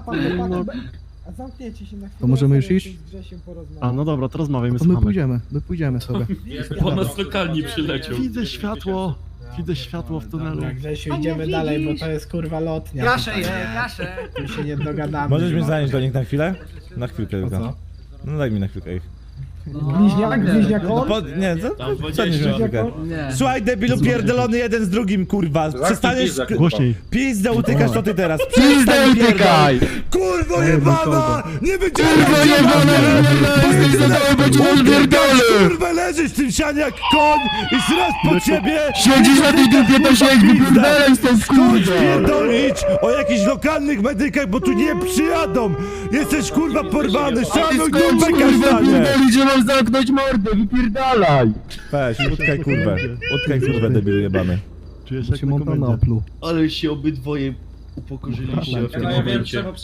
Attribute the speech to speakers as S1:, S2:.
S1: A zamknięcie się na chwilę.
S2: To możemy już iść?
S1: Z Grzesiem porozmawiać.
S3: A, no dobra, to rozmawiajmy,
S2: To my
S3: słuchamy.
S2: pójdziemy sobie.
S4: Po nas lokalni przyleciał.
S3: Widzę światło w tunelu.
S1: Dobra, Grzesiu, idziemy dalej, bo to jest kurwa lotnia.
S5: Kaszę je, kaszę.
S1: Tu się nie dogadamy.
S6: Możesz mnie zanieść do nich na chwilę? Na chwilkę tylko. No daj mi na chwilkę ich.
S1: Bliźniak on?
S6: Nie,
S4: Tam
S6: przenieś mnie na chwilkę.
S5: Nie.
S6: Słuchaj debilu pierdolony jeden z drugim, kurwa. Przestaniesz...
S3: Głośniej.
S6: Pizdę utykasz to ty teraz.
S2: Pizdę utykaj!
S6: Kurwo jebana! Nie będziemy kurwa leżysz w tym sianie jak koń i srasz po ciebie!
S2: Siedzisz na tej dupie, to siedź, wypierdalaj stąd,
S6: Skończ pierdolić o jakichś lokalnych medykach, bo tu nie przyjadą! Jesteś kurwa porwany, szanuj dupę kasztanie!
S2: że mam zamknąć mordę, wypierdalaj!
S6: Weź, utkaj kurwę debilu jebany.
S3: Czujesz jak
S2: Się
S3: na
S2: Montana
S3: komendzie.
S2: opluł.
S4: Ale się obydwoje upokorzyliście w tym momencie.